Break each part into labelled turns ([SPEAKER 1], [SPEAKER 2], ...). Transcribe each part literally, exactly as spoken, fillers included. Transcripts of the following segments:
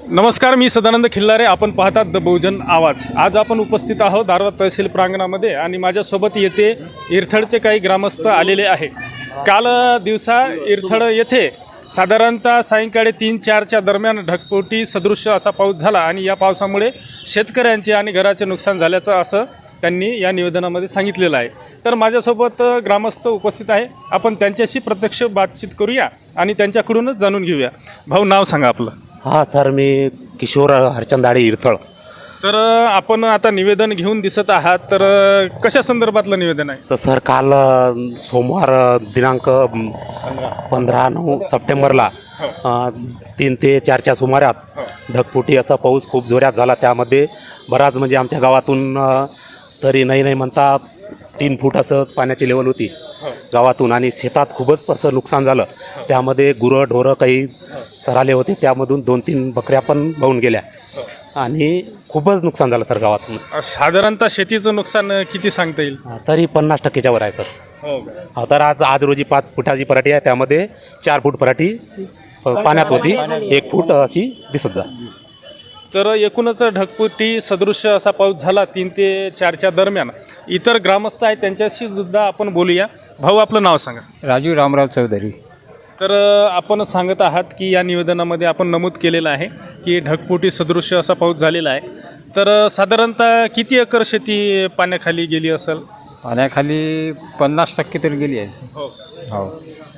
[SPEAKER 1] नमस्कार, मी सदानंद खिल्लारे. आपण पाहतात द बहुजन आवाज. आज आपण उपस्थित आहोत दारवा तहसील प्रांगणामध्ये आणि माझ्यासोबत येथे इरथडचे काही ग्रामस्थ आलेले आहे. काल दिवसा इरथड येथे साधारणतः सायंकाळी तीन चारच्या दरम्यान ढगफुटी सदृश्य असा पाऊस झाला आणि या पावसामुळे शेतकऱ्यांचे आणि घराचे नुकसान झाल्याचं असं त्यांनी या निवेदनामध्ये सांगितलेलं आहे. तर माझ्यासोबत ग्रामस्थ उपस्थित आहे. आपण त्यांच्याशी प्रत्यक्ष बातचीत करूया आणि त्यांच्याकडूनच जाणून घेऊया. भाऊ, नाव सांगा आपलं.
[SPEAKER 2] हां सर, मी किशोर हरचंदाडे इरथळ.
[SPEAKER 1] तर आपण आता निवेदन घेऊन दिसत आहात, तर कशा संदर्भातलं निवेदन आहे?
[SPEAKER 2] तर सर, काल सोमवार दिनांक पंधरा नऊ सप्टेंबरला तीन ते चारच्या सुमारात ढगफुटी असा पाऊस खूप जोरात झाला. त्यामध्ये बराच म्हणजे आमच्या गावातून तरी नाही नाही म्हणता तीन फूट असं पाण्याची लेवल होती गावातून आणि शेतात खूपच असं नुकसान झालं. त्यामध्ये गुरं ढोरं काही चराले होते, त्यामधून दोन तीन बकऱ्या पण वाहून गेल्या आणि खूपच नुकसान झालं सर गावातून.
[SPEAKER 1] साधारणतः शेतीचं नुकसान किती सांगता येईल?
[SPEAKER 2] तरी पन्नास टक्केच्या वर आहे सर.
[SPEAKER 1] हो.
[SPEAKER 2] हा, तर आज आज रोजी पाच फुटाची पराठी आहे, त्यामध्ये चार फूट पराठी पाण्यात होती, एक फूट अशी दिसत जा.
[SPEAKER 1] तर एकूणच ढगफुटी सदृश्य असा पाऊस झाला तीन ते चारच्या दरम्यान. इतर ग्रामस्थ आहेत, त्यांच्याशी सुद्धा आपण बोलूया. भाऊ, आपलं नाव सांगा.
[SPEAKER 3] राजू रामराव चौधरी.
[SPEAKER 1] तर आपण सांगत आहात की या निवेदनामध्ये आपण नमूद केलेलं आहे की ढगफुटी सदृश्य असा पाऊस झालेला आहे. तर साधारणतः किती एकर शेती पाण्याखाली गेली असेल?
[SPEAKER 3] पाण्याखाली पन्नास टक्के तरी गेली आहे.
[SPEAKER 1] हो.
[SPEAKER 3] हो.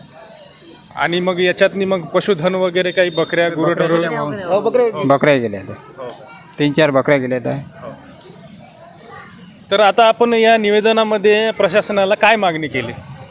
[SPEAKER 1] आणि मग याच्यातनी मग पशुधन वगैरे काही बकऱ्या गुरं
[SPEAKER 3] बकऱ्या गेल्या आहेत, तीन चार बकऱ्या गेल्या आहेत.
[SPEAKER 1] तर आता आपण या निवेदनामध्ये प्रशासनाला काय मागणी केली?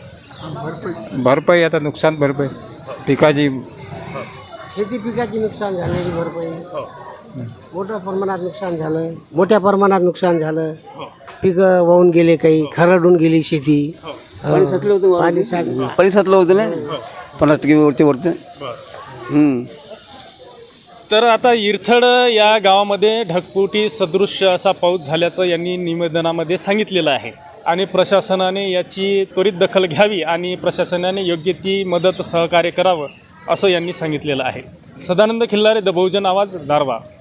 [SPEAKER 3] भरपाई, आता नुकसान भरपाई, पिकाची
[SPEAKER 4] शेती पिकाची नुकसान झालेली भरपाई, मोठ्या प्रमाणात नुकसान झालं, मोठ्या प्रमाणात नुकसान झालं. पिकं वाहून गेले, काही खरडून गेली शेती.
[SPEAKER 5] पाणी साचलं होतं
[SPEAKER 4] पाणी साचलं.
[SPEAKER 5] पाणी साचलं होतं ना पन्नास टक्के वरती वरती.
[SPEAKER 1] तर आता इरथड या गावामध्ये ढगफुटी सदृश्य असा पाऊस झाल्याचं यांनी निवेदनामध्ये सांगितलेलं आहे आणि प्रशासनाने याची त्वरित दखल घ्यावी आणि प्रशासनाने योग्य ती मदत सहकार्य करावं असं यांनी सांगितलेलं आहे. सदानंद खिल्लारे, द बहुजन आवाज, दारवा.